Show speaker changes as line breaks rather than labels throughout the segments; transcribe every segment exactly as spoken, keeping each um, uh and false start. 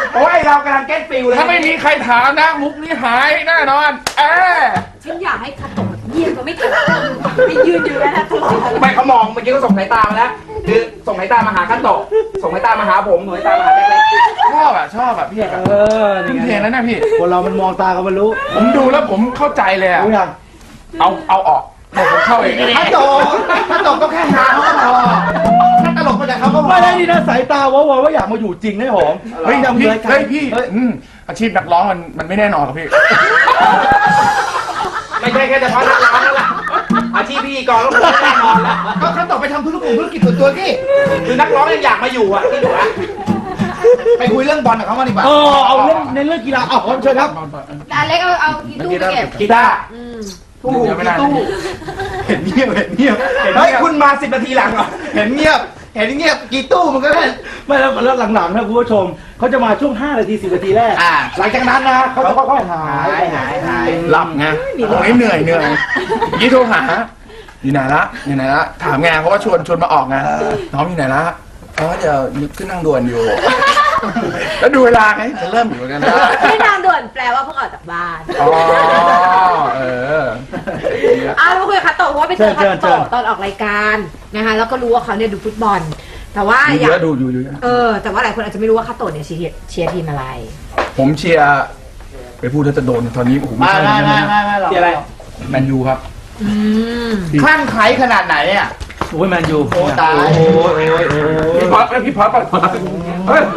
โอ้ยเรากำลังเก็ตฟิลเลย
ถ้าไม่มีใครถามนะมุกนี้หายแน่นอนเออ
ฉันอยากให้คาโตะเยี่ยมก็ไม่ถามไปยืนอยู่แล้วตลอด
ไม่เขามองเมื่อกี้เขาส่งสายตามาแล้วคือส่งสายตามาหาคาโตะส่งสายตามาหาผมส่งสายตามาหาเล็ก
ชอบอ่ะชอบอ่ะพี่เออนี่เพลงนั้นนะพี่
คนเรามันมองตากันมันรู้
ผมดูแล้วผมเข้าใจเลยอ่ะเอาเอาออกเดี๋ยวผมเข้าเอง
คาโตะคาโตะก็แค่หาเขาก็พอถ้าตลกมาจากเขาก็พอ
ไม่ได้ดีนะสายตาว่าว่าอยากมาอยู่จริงได้หอม
เฮ้ยพี่เฮ้ยพี่อาชีพนักร้องมันมันไม่แน่นอนครับพี่
ไม่ใช่แค่เฉพาะนักร้องนั่นแหละอาชีพพิธีกรก็คงแน่นอนแล้วก็คาโตะไปทำธุรกิจธุรกิจส่วนตัวที่คือนักร้องยังอยากมาอยู่อ่ะที่หนูอะไปคุยเรื่องบอลกับเขามาดีกว่า
เออเอาเรื่องในเรื่องกีฬาเอาเชิญครับ
อเล็กเอาเอากีตู้เก็บ
กีตาร์ตู้กีตู้เห็นเงียบเห็นเงียบเฮ้ยคุณมาสิบนาทีหลังเหรอเห็นเงียบเห็นเงียบกีตู้มันก็แค่
ไม่แล้วแล้วหลังๆนะคุณผู้ชมเขาจะมาช่วงห้านาทีสิบนาทีแรกหลังจากนั้นนะเขาจะค่อยๆหายหายหาย
หลับไงโอ้ยเหนื่อยเหนื่อยยี่โทรหาอยู่ไหนละอยู่ไหนละถามไงเพราะว่าชวนชวนมาออกไงน้องอยู่ไหนละอ๋อเดี๋ยวขึ้นนั่งด่วนอยู่แล้วดูเวลาไงจะเริ่มอยู่กันนะ
ขึ้นนั่งด่วนแปลว่าเพิ่งออกจากบ้าน
อ๋อเออ
อ้าวเราคุยกับคาโตะเพราะว่าไปเจอคาโตะตอนออกรายการนะคะแล้วก็รู้ว่าเขาเนี่ยดูฟุตบอลแต่ว่า
อยากดูอยู่อยู่
เออแต่ว่าหลายคนอาจจะไม่รู้ว่าคาโตะเนี่ยเชียร์เชียร์ทีมอะไร
ผมเชียร์ไปพูดถ้าจะโดนตอนนี้โอ้โหไม่ใช่
ไม่ไม่ไม่ไม่หรอกเชียร์อะไร
แมนยูครับ
คลั่งไคล้ขนาดไหนเนี่ย
โอ้ยแมนยู
โอ้ตายโอ้ยโอ้ย
พี่พอดพี่พอดปัดเฮ้ย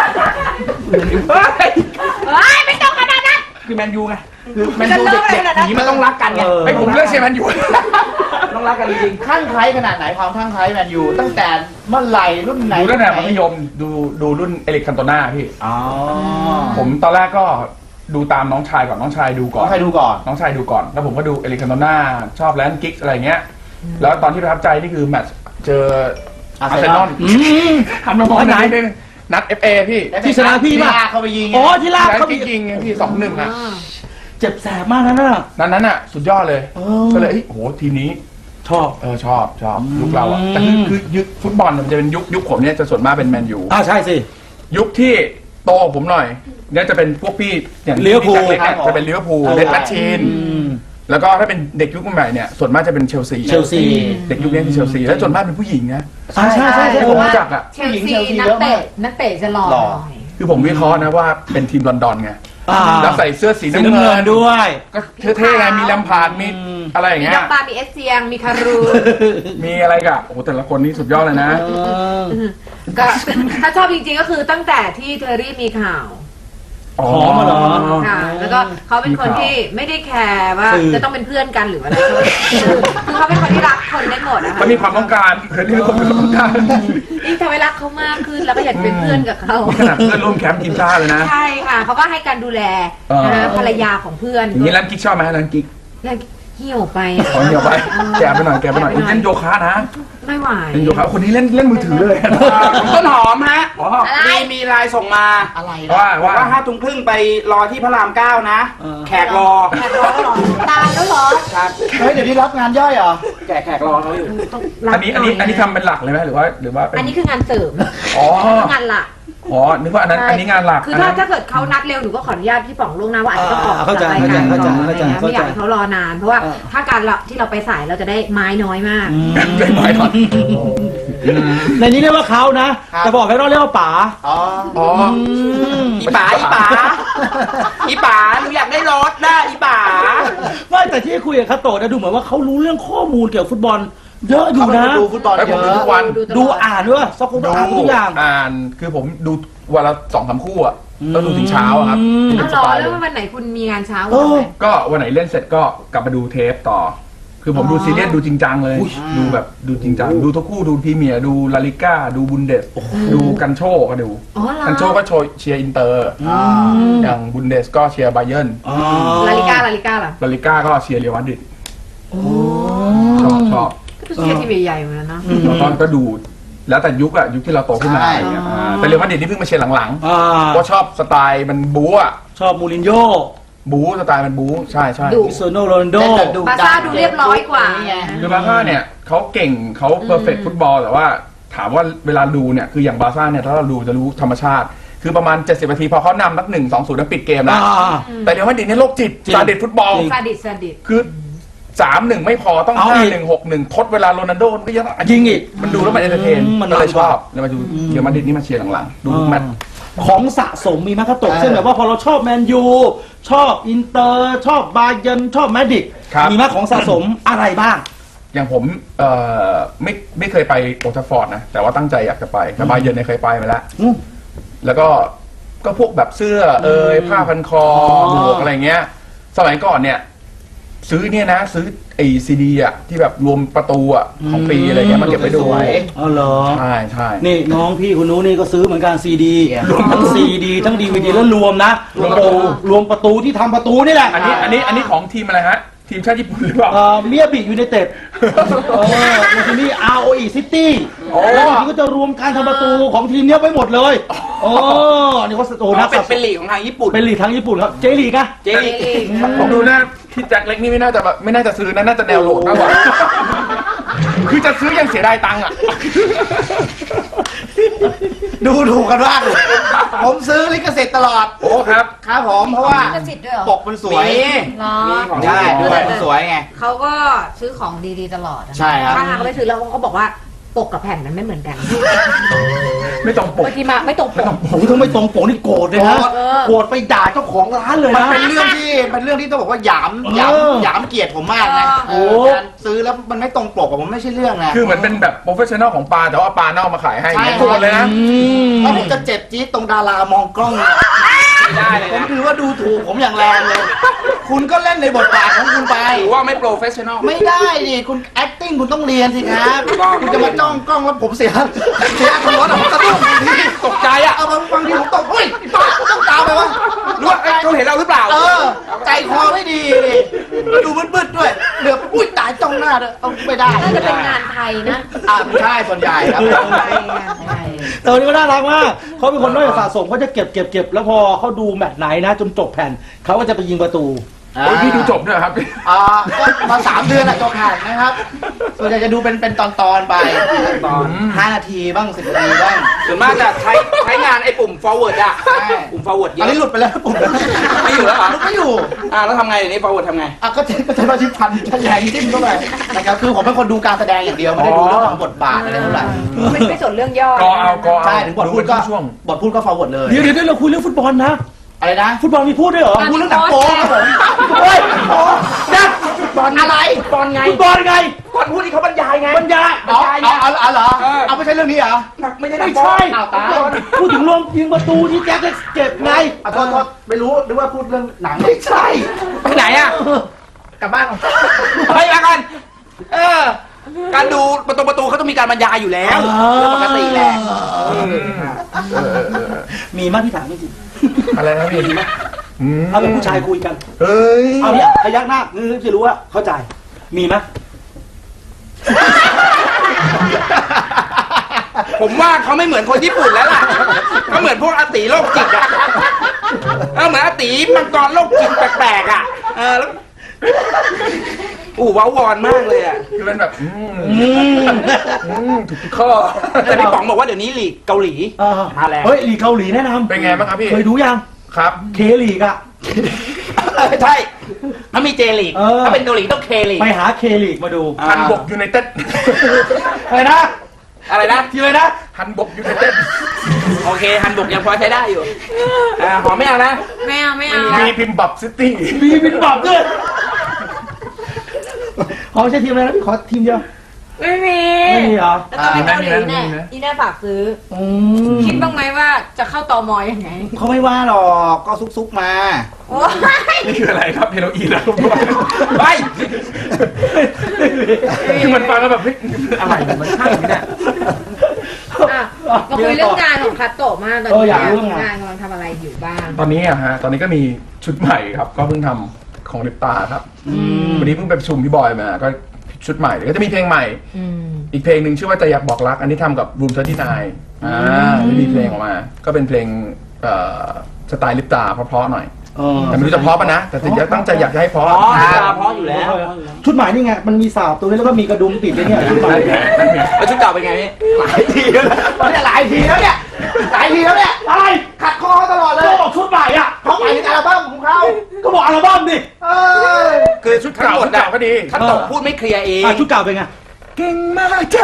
เฮ้ยไม่ต้องขนาดนั้น
คือแมนยูไง
คือแมนยูเด็กๆนี้มันต้องรักกันไง
ไอ้ผมเลือกเชียร์แมนยู
ต้องรักกันจริงๆคลั่งไคล้ขนาดไหนความคลั่งไคล้แมนยูตั้งแต่เมื่อไหร่รุ่นไหน
ดูตั้งแต่มัธยมดูดูรุ่นเอริกคันโตนาพี่
อ๋อ
ผมตอนแรกก็ดูตามน้องชายก่อนน้องชายดูก่อน
น้องชายดูก่อน
น้องชายดูก่อนแล้วผมก็ดูเอริกคันโตนาชอบแลนด์กิกอะไรเงี้ยแล้วตอนที่ประทับใจนี่คือแมตช์เจออาร์เซนอลทำมามองไหนด้วยนัด เอฟ เอ พี่
ที่ชนะพี่ป่ะ
เขาไปยิง
อ๋อที่ลากเขา
ไปยิงพี่สองหนึ่งอ่ะ
เจ็บแสบมากนั่นน่ะ
นั้นนั้นอ่ะสุดยอดเลยก็เลยโอ้โหทีมนี้
ชอบ
เออชอบชอบยุคเราอ่ะแต่คือคือยุคฟุตบอลมันจะเป็นยุคยุคผมเนี่ยจะส่วนมากเป็นแมนยู
อ่าใช่สิ
ยุคที่โตผมหน่อยเนี่ยจะเป็นพวกพี่อย่าง
เลี้ยวภู
จะเป็นเลี้ยวภูเลดแมชชีนแล้วก็ถ้าเป็นเด็กยุคใหม่เนี่ยส่วนมากจะเป็นเชลซี
เชลซี
เด็กยุคนี้คือเชลซีแล้วส่วนมากเป็นผู้หญิงนะ
ใช่ใช่ใช่
ผมรู้จักอ่ะ
เชลซีนักเตะนักเตะจะหล่อ
คือผมวิเคราะห์นะว่าเป็นทีมลอนดอนไงแล้วใส่เสื้อสีน้ำเงิน
ด้วย
ก็เท่ๆไงมีแลมพาร์ดมีอะไรอย่างเงี้ย
มีดักบามีเอสเซียงมีคารู
มีอะไรกะโอ้แต่ละคนนี่สุดยอดเลยนะ
ก็ถ้าชอบจริงๆก็คือตั้งแต่ที่เทอร์รี่มีข่าว
หอมมาเหรอ
ค่ะแล้วก็เขาเป็นคนที่ไม่ได้แคร์ว่าจะต้องเป็นเพื่อนกันหรืออะไรคือเขาเป็นคนที่รักคนได้หมดนะคะ
มันมีความต้องการเคยเรียกคนเป็นต้องการ
ยิ่งทำให้รักเขามากขึ้นแล้วก็อยากเป็นเพื่อนกับเขา
ขนาดเพื่อนร่วมแคมป์ทีมชาติเลยนะ
ใช่ค่ะเขาก็ให้การดูแลนะภรรยาของเพื่อน
อย่างนี้ร้านกิ๊กชอบไหมร้านกิ๊ก
เหี่ยวไป
ขอเหี่ยวไปแกไปหน่อยแกไปหน่อยเล่นโยคะนะ
ไม่ไหว
เล่นโยคะคนนี้เล่นเล่นมือถือเลย
ต้นหอมฮะมีมีไลน์ส่งมา
อะไร
ว่าว่าห้าทุ่มครึ่งไปรอที่พระรามเก้านะแขกรอ
แขกรอหรอตายแล้วหรอ
ครับเฮ้ยเดี๋ยวนี้รับงานย่อยเหรอแขกแขกรอเขาอยู่
อันนี้อันนี้อันนี้ทำเป็นหลักเลยไหมหรือว่าหรือว่า
อันนี้คืองานเสริม
อ๋
องานหลัก
อ๋อนึกว่าอันนั้นอันนี้งานหลัก
คือถ้าถ้าเกิดเขานัดเร็วหนูก็ขออนุญาตพี่ป๋องล่วงหน้าว่าอาจจะต้องออกจากรายการก่อนไม่อยากให้เขารอนานเพราะว่าถ้าการที่เราไปสายเราจะได้ไม้น้อยมาก
ได้ไม้น้อย
ในนี้เรียกว่าเขานะแต่บอกให้เราเรียกว่าป๋า
อ๋ออีป๋าอีป๋าอีป๋าหนูอยากได้รถได้อีป๋า
ไม่แต่ที่คุยกับคาโตะนะดูเหมือนว่าเขารู้เรื่องข้อมูลเกี่ยวกับฟุตบอลเยอะอยู่นะ
ดูฟุตบอลเยอะ
ทุกวัน
ดูอ่านด้วยซักคนอ่านทุกอย่าง
อ่านคือผมดูวันละสองสามคู่อ่ะต้องดูถึงเช้าครับ
รอแล้ววันไหนคุณมีงานเช้า
ก็วันไหนเล่นเสร็จก็กลับมาดูเทปต่อคือผมดูซีรีส์ดูจริงจังเลยดูแบบดูจริงจังดูทุกคู่ดูพรีเมียร์ดูลาลิก้าดูบุนเดสดูกันโชก็ดูกันโชก็โชเชียร์อินเตอร์อย่างบุนเดสก็เชียร์ไบเยิร์น
ลาลิก้าลาลิก้าล่ะ
ลาลิก้าก็เชียร์เรอัลมาดริดชอบชอบ
เชียร์ทีมใหญ่ๆเหมือนกันนะ
ตอนก็ดูแล้วแต่ยุคอะยุคที่เราโตขึ้นมาแต่เรอัลมาดริดนี่เพิ่งมาเชียร์หลังๆเพราะชอบสไตล์มันบู๊อะ
ชอบมูรินโญ่
บู๊สไตล์มันบู๊ใช่ใช่
คริสเตียโนโรนัลโด
บาซ่าดูเรียบร้อยกว่า
คือบาซ่าเนี่ยเขาเก่งเขาเพอร์เฟกต์ฟุตบอลแต่ว่าถามว่าเวลาดูเนี่ยคืออย่างบาซ่าเนี่ยถ้าเราดูจะรู้ธรรมชาติคือประมาณเจ็ดสิบนาทีพอเขานำนักหนึ่งสองศูนย์แล้วปิดเกมแล้ว
อ่า
แต่เรอัลมาดริดเนี่ยโรคจิตซาดิสฟุตบอล
ซาดิสซาดิส
คือสามหนึ่งไม่พอต้อง
เอา
ห้า
อีก
หนึ่งหกหนึ่งทดเวลาโรนัลโดมันก็ยัง
ยิงอีก
มันดูแล้วมันเอนเตอร์เทน
อืมมัน
ก็เลย
มัน
ชอบแล้วมาดูเรอัลมาดริดนี่มาเชียร์หลังๆดูทุกแมตช์
ของสะสมมีไหมครับตกเช่นแบบว่าพอเราชอบแมนยูชอบอินเตอร์ชอบบาเยิร์นชอบแมดริด
ครับ
มีไหมของสะสมอะไรบ้าง
อย่างผมเอ่อไม่ไม่เคยไปโอลด์แทราฟฟอร์ดนะแต่ว่าตั้งใจอยากจะไปแต่บาเยิร์นเนี่ยเคยไปมาแล้ว
อืม
แล้วก็ก็พวกแบบเสื้อเอยผ้าพันคอ
อ๋อ
หมวกอะไรเงี้ย สมัยก่อนเนี่ย ซื้อเนี่ยนะ ซื้อไอซีดีอ่ะที่แบบรวมประตูอ่ะของปีอะไรเงี้ยมาเก็บไว้ดู
สวย
อ๋อเหรอ
ใช่ใช่
นี่น้องพี่คุณนู้นนี่ก็ซื้อเหมือนกันซีดี
เนี่ย
รวมทั้งซีดีทั้งดีวีดีแล้วรวมนะรวมประตูรวมประตูที่ทำประตูนี่แหละ
อันนี้อันนี้อันนี้ของทีมอะไรฮะ ทีมชาติญี่ปุ่นหรือเปล่า
เอ่อเมียบิยูไนเต็ดเออมันจะมี อาร์ โอ อี City
โอ้
แล้วทีก็จะรวมการทำประตูของทีมเนี้ยไว้หมดเลยโอ้นี่ก็โอ้นะ
เป็นเป็นลีกของทางญี่ปุ่น
เป็นลีกทั้งญี่ปุ่นครับเจลีกอะ
เจลีก
ผมดูนะที่แจ็คเล็กนี่ไม่น่าจะแบบไม่น่าจะซื้อนะน่าจะแนวโหลดมากกว่า คือจะซื้อยังเสียดายตังค์อ่ะ
ดูถูกกันมากเลยผมซื้อลิขสิทธิ์ตลอด
โอ้ครับ
ครับผมเพราะว่า
ลิขสิทธิ์ด้วยเหรอ
ปกมันสวย
เหรอ
ใช่ปกมันสวยไง
เขาก็ซื้อของดีๆตลอดอะ
ใช่ครับ
ถ้าทางเขาไปซื้อแล้วเขาบอกว่าปกกับแผ่นมันไม่เหมือนกัน
ไม่ต้องปก
บางทีมาไม่ตรงปก
โอ้ยถ้าไม่ตรงปกนี่โกรธเลยนะ
โกรธ
โกรธไปด่าเจ้าของร้านเลย
มัน
นะ
เป็นเรื่องที่เป็นเรื่องที่ต้องบอกว่าหยามหยาม
เออ
หยามเกียรติผมมากนะ
โอ้
เออการซื้อแล้วมันไม่ตรงปกกับผมไม่ใช่เรื่องนะ
คือเหมือนเป็นแบบโปรเฟชชั่นอลของปลาแต่ว่าปลาเน่ามาขายให้
ใช่
โกรธเลยนะ
อืม
ถ้าผมจะเจ็บจี๊ดตรงดารามองกล้องไม่ได้เลยผมถือว่าดูถูกผมอย่างแรงเลย คุณก็เล่นในบทบาทของคุณไป
ถือว่าไม่โปรเฟชชั่นอล
ไม่ได้ดิคุณ acting คุณต้องเรียนสิครับ คุณจะมาจ้องกล้องแล้วผมเสียเสียคนรถอะผมสะดุ้งบางที
ตกใจอ่ะ
เอาบางบางทีผมตกเฮ้ยบ้าต้องตามไปวะ
รู้ว่าเอ้ยเขาเห็นเราหรือเปล่า
เออ ใจคอไม่ดีดิแล้วดูมืดๆด้วยเหลืออุ้ยตายจ้องหน้าเลยเอาไม่ได้
น่าจะเป็นงานไทยนะ
อ่าใช่ส่วนใหญ่ครับ
งานไทยงานไทย
เตอร์นี่ก็น่ารักมากเขาเป็นคนน้อยสะสมเขาจะเก็บเก็บเก็บแล้วพอเขาดูแมตช์ไหนนะจนจบแผ่นเขาก็จะไปยิงประตู
โอ้ยพี่ดูจบด้วยเหรอครับ
อ่าก็มาสามเดือนอะจบแข่งนะครับ ส่วนใหญ่จะดูเป็นเป็นตอนตอนๆไปตอนห้านาทีบ้างสิบนาทีบ้าง
ส่วนมากจะใช้ใช้งานไอ้ปุ่ม forward อ่ะ
ใช่
ปุ่ม forward เย
อัน
อะ
นี้หลุดไปแล้วปุ่ม
ไม่อยู่แล้วเหรอ
ไม่อยู่
อ่าแล้วทำไงเดี๋ยวนี้ forward ทำไง
อ่ะก็ใช้ก็ใช้มาชิพันแยงจิ้มเข้าไปนะครับคือผมเป็นคนดูการแสดงอย่างเดียวไม่ได้ดูเรื่องของบทบาทอะไรเท่าไหร่
ไม่ไม่สนเรื่องย่อ
ก็เอาก็เอา
ใช่ถึงบทพูดก็
ช่วง
บทพูดก็ forward เลย
เดี๋ยวเดี๋ยวเดี๋ยวเราคุยเรื่องฟุตบอลนะ
อะไรนะ
ฟุตบอลมีพูดด้วยเหรอ
พูดเรื่องหนังโป๊ครับผมเฮ้ยโอ้นักฟุตบอลอะไร
บอลไง
ฟุตบอลไง
ก่อนพูดที่เขาบรรยายไง
บรรยาย
เอาเอาเอาเอาเหรอ
เออ
เอาไม่ใช่เรื่องนี้เหรอ
ไม่ใช่
ไม่
นักบอ
ใช่
ลอ้าวตาย
พูดถึงลงยิงประตูที่แจ็คจะเก็บไง
อ่ะโทษโทษไม่รู้นึกว่าพูดเรื่องหนัง
ไม่ใช่
ไปไหนอ่ะ
กลับบ้านก่อน
ไปมากัน เออ การดูประตูประตูเขาต้องมีการบรรยายอยู่แล้วเรื่องปกติแหละ
มีมากที่ถามจริง
อะไรนะพี่อืม
ๆเอาเป็นผู้ชายคุยกัน
เฮ้ย
เอาเนี่ยพยักหน้าคือจะรู้ว่าเข้าใจ มีไหม
ผมว่าเขาไม่เหมือนคนญี่ปุ่นแล้วล่ะเขาเหมือนพวกอาตีโรคจิตอ่ะเออเหมือนอาตีมังกรโรคจิตแปลกๆอ่ะ เออแล้วอู้ว้าวอนมากเลยอ่ะ
คือเป็นแบบอืม
อืม
อืมถูกทุกข้อ
แต่พี่ป๋องบอกว่าเดี๋ยวนี้ลีกเกาหลี
อ่า
มาแล้ว
เฮ้ยลีกเกาหลีแนะนำ
เป็นไงบ้างครับพี่
เคยดูยัง
ครับ
เคลีกอะ
ใช่ถ้ามีเจลีก
เออ
ถ้าเป็นเกาหลีต้องเคลีก
ไปหาเคลีกมาดู
ฮันบกยูไนเต็ด
อะไรนะ
อะไรนะ
ทีเลยนะ
ฮันบกยูไนเต็ด
โอเคฮันบุกยังพอใช้ได้อยู่อ่าหอมไม่เอานะ
ไม่เอาไม่เอา
มีพิมบับซิตี้
มีบินบับด้วยขอใช้ทีมอะไรนะพี่ขอทีมเดียว
ไม่มี
ไม่มีเหรอ
แล้วก็ไปเกาหลีแน่อีน่าฝากซื้อ
อืม
คิดบ้างไหมว่าจะเข้าตมยังไง
เขาไม่ว่าหรอกก็ซุกๆมา
โอ้ย
นี่คืออะไรครับเฮโรอีนแล้ว
ไป
คือมันฟังแล้วแบบเฮ้ยอะไรเนี่ยมันใช่ไหมเนี่ย
อ่ะมาคุยเรื่องงานของคัตโตะมากตอน
เออ
นี้
อยากรู้เรื่องงาน
งานกำลังทำอะไรอยู่บ้าง
ตอนนี้อะฮะตอนนี้ก็มีชุดใหม่ครับ ก็เพิ่งทำของลิปตาครับวันนี้เพิ่งไปประชุมพี่บอยมาก็ชุดใหม่ก็จะมีเพลงใหม่
อืม
อีกเพลงหนึ่งชื่อว่าจะอยากบอกรัก อันนี้ทำกับ Room สามสิบเก้าอ่าที่มีเพลงออกมา ก็เป็นเพลงเอ่อสไตล์ลิปตาเพราะๆหน่อย
เออ
แต่ไม่รู้จะเพราะปะนะ แต่ถึงจะตั้งใจอยากจะให้เพราะ
อ๋อ
ครับ
ตาเพราะอยู่แล้ว
ชุดใหม่นี่ไง มันมีสาวตัวนี้แล้วก็มีกระดุมติดเลยเนี่ยชุดใหม่
แล้วชุดเก่าเป็นไงพี่
หลายทีแล้วนะตอนนี้หลายทีแล้วเนี่ยหลายทีแล้วเนี่ย
เอะไร
ขัดคอเขาตลอดเลย
ก็บอกชุดใหม่อ่ะ
เขาหมายถึงอัลบั้มของเขา
ก็บอกอัลบั้มดิ
เออ
คือชุดทั้งหมด
ชุดเก่าก็ดี
คัตโตะพูดไม่เคลียร์เอง
อ่ะชุดเก่าเป็นไง
เก่งมากจ้า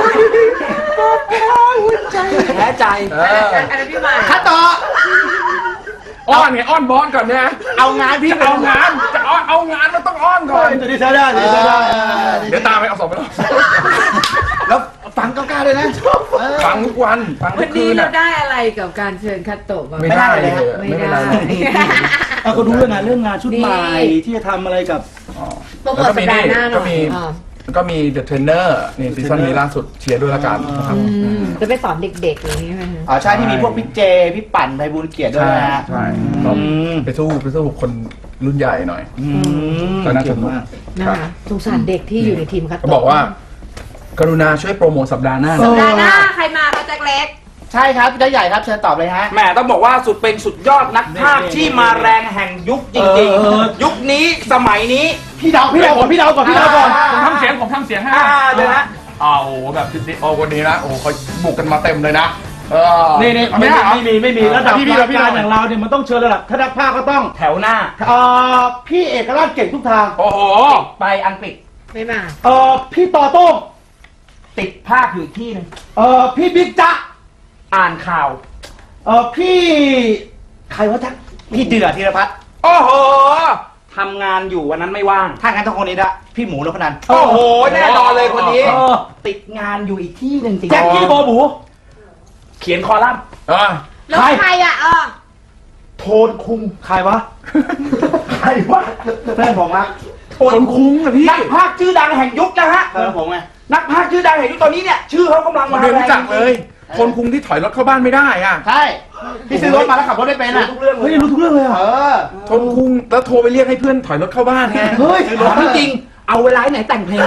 แพ้ใจ
เอ
อัน
อ
นั้นอันนั้นพี่ใหม่
คัตโตะ
อ้อนไงอ้อนบอสก่อนเนี่ย
เอางานพี่
จะเอางานจะเอาเอางานมันต้องอ้อนก่อน
ตัวนี้ใช้ได้ตัวนี้ใช้ได้
เดี๋ยวตามไปเอาสองไปรอบ
แล้วฟังก้าวๆเลยนะเออ
ฟังทุกวันฟังทุ
วั
ก
น
คื
นี้
น
เรา
อ่ะ
ได้อะไรกับการเชิญคัตโตะมา
ไม่ได้เลย
ไม่
ไม่เป็น
ได้
ไรเลย
เอาก็รู้แล้วนะเรื่องงานชุดใหม่
นี่
ที่จะทำอะไรกับ
อ๋อ
โปรโมทสัปดาห์หน้าหน่
ก็
อย
มี
อ่า
ก็มี The Trainer นี่ซีซั่นนี้ล่าสุดเชียร์ด้วยละกันนะครับ
อืมจะไปสอนเด็กๆอย่างนี้ไหมคะ
อ๋อใช่ที่มีพวกพี่เจ พี่ปั่นไพบูลย์เกียรติด้วย
ใช่
นะฮะ
ใช่ก็ไปสู้ไปสู้คนรุ่นใหญ่หน่อย
อืม
ก็น่าจะ
เก่งมาก
นะคะสงสารเด็กที่อยู่ในทีมคัต
ก็
โตะ
บอกว่า กรุณาช่วยโปรโมทสัปดาห์หน้า
เอ
นะ
อ
สัปดาห์หน้าใครมาคะแจ็คเล็ก
ใช่ครับพี่ใหญ่ครับเชิญตอบเลยฮะ
แหมต้องบอกว่าสุดเป็นสุดยอดนักภาคที่มาแรงแห่งยุคจริง
เออ
ๆ ยุคนี้สมัยนี้
พี่เดาพี่เดาก่อนพี่เดาก่อนพี่เดาก่อน
ผมทำเสียงผมทำเสียงให้
อ่าเดี๋ยวนะ
อ้าวโอ้โหแบบดิโอ้วันนี้นะโอ้โหเขาบุกกันมาเต็มเลยนะเออ
นี่นี่
เอา
ไม่
ไม่ได้เหรอ
ไม่มีไม่มีระดับ
พี่พี่
ราย
พี่
การ
พี่
อย่างเราเนี่ยมันต้องเชิญระดับถ้านักภาคก็ต้อง
แถวหน้า
เอ่อพี่เอกราชเก่งทุกทาง
โอ้โห
ไปอังกฤษ
ไม่มา
เอ่อพี่ต่อโต้ง
ติดภาคอยู่อีกที่หนึง
เอ่อพี่บิ๊กจ๊ะ
อ่านข่าว
เอ่อพี่ใครวะจ๊ะ
พี่เดือดธีรพัฒน์
โอ้โหทำงานอยู่วันนั้นไม่ว่าง
ถ้างั้นต้องคนนี้ละพี่หมูนพนัน
โอ้โห แน่นอนเลยคนนี้
เออ
ติดงานอยู่อีกที่หนึ่งจริง
แจ็คกี้โบบู
เขียนคอลัมน์
เออ
แล้ว
ใคร
ใครอ่ะเออ
โทนคุงใครวะ ใครวะ
เพื่อนผมครับ
คนคุ้งอะพี่
นักภาคชื่อดังแห่งยุคนะฮะ
เพื่อนผมไง
นักภาคชื่อดังแห่งยุคตอนนี้เนี่ย ชื่อเขากำลัง
มา
มา
เรียน
แรง
รู้จักเลย คนคุ้งที่ถอยรถเข้าบ้านไม่ได้อ่ะ
ใช่พี่ซื้อรถมาแล้วขับรถได้เป็น
รู้
อ่ะ
ทุกเรื่องเล
เฮ้ย
ย
รู้ทุกเรื่องเลยเหร
เอ
อ่ะ
อ
คนคุ้งแล้วโทรไปเรียกให้เพื่อนถอยรถเข้าบ้านไง
เฮ้ย
ถามจริงๆเอาเวลาไหนแต่งเพลง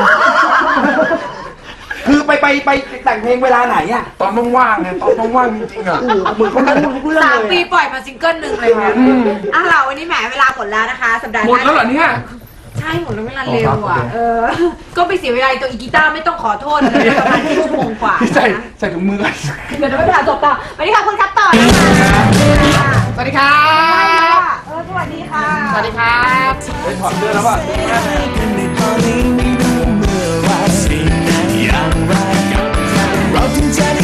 คือไปไปไปแต่งเพลงเวลาไหนอ่ะ
ตอนว่างๆไงตอนว่างๆจริงๆอ่ะ
เหมือนเขารู้ทุกเรื่อง
สาม
เลย
ปี
อะ
ปล่อยมาซิงเกิลหนึ่งเลยนะ
อืม
อ่ะเราวันนี้แหมเวลาหมดแล้วนะคะ สัปดาห์ห
หมด
น้า
แล้วเหรอเนี่ย
ใช่หมดแล้วเวลาเร็ว
อ๋อครั
อ่ะ
บ
เออ ก็ไปเสียเวลาตัวอีกีตาร์ไม่ต้องขอโทษเลยประมาณชั่วโมงกว่า
ใส่
นะ
ใส่ถุงมือกัน
เดี๋ยวจะไม่ผ่านจบต่อวันนี้ค่ะคุณครับต่อนะคะ
สวัสดีครั
ใช่
บ
ค่ะเออสวัสดีค่ะ
สวัสดีครับ
ไปถอดเสื้อแล้วป่ะ
อย่างไรเราถึงจะได้